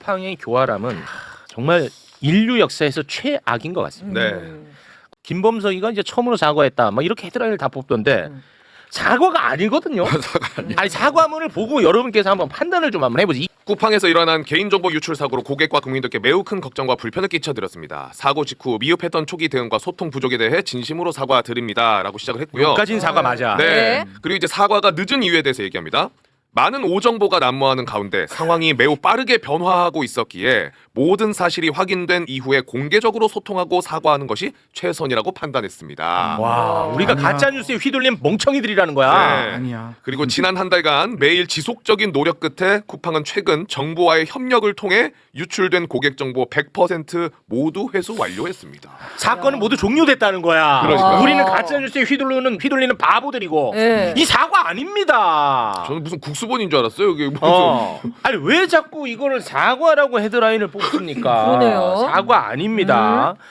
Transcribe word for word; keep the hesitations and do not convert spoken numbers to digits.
쿠팡의 교활함은 정말 인류 역사에서 최악인 것 같습니다. 네. 김범석이가 이제 처음으로 사과했다. 막 이렇게 헤드라인을 다 뽑던데 음. 사과가 아니거든요. 아니 사과문을 보고 여러분께서 한번 판단을 좀 한번 해보지. 쿠팡에서 일어난 개인정보 유출 사고로 고객과 국민들께 매우 큰 걱정과 불편을 끼쳐드렸습니다. 사고 직후 미흡했던 초기 대응과 소통 부족에 대해 진심으로 사과드립니다라고 시작을 했고요. 여기까지는 사과 맞아. 네. 네. 그리고 이제 사과가 늦은 이유에 대해서 얘기합니다. 많은 오정보가 난무하는 가운데 상황이 매우 빠르게 변화하고 있었기에 모든 사실이 확인된 이후에 공개적으로 소통하고 사과하는 것이 최선이라고 판단했습니다. 와, 우리가 아니야. 가짜 뉴스에 휘둘린 멍청이들이라는 거야. 네. 아니야. 그리고 지난 한 달간 매일 지속적인 노력 끝에 쿠팡은 최근 정부와의 협력을 통해 유출된 고객 정보 백 퍼센트 모두 회수 완료했습니다. 사건은 모두 종료됐다는 거야. 그러니까요. 우리는 가짜 뉴스에 휘둘리는 휘둘리는 바보들이고 네. 이 사과 아닙니다. 저는 무슨 국수본인 줄 알았어요. 이게 무슨 어. 아니 왜 자꾸 이거를 사과라고 헤드라인을 뽑습니까? 그러네요. 사과 아닙니다.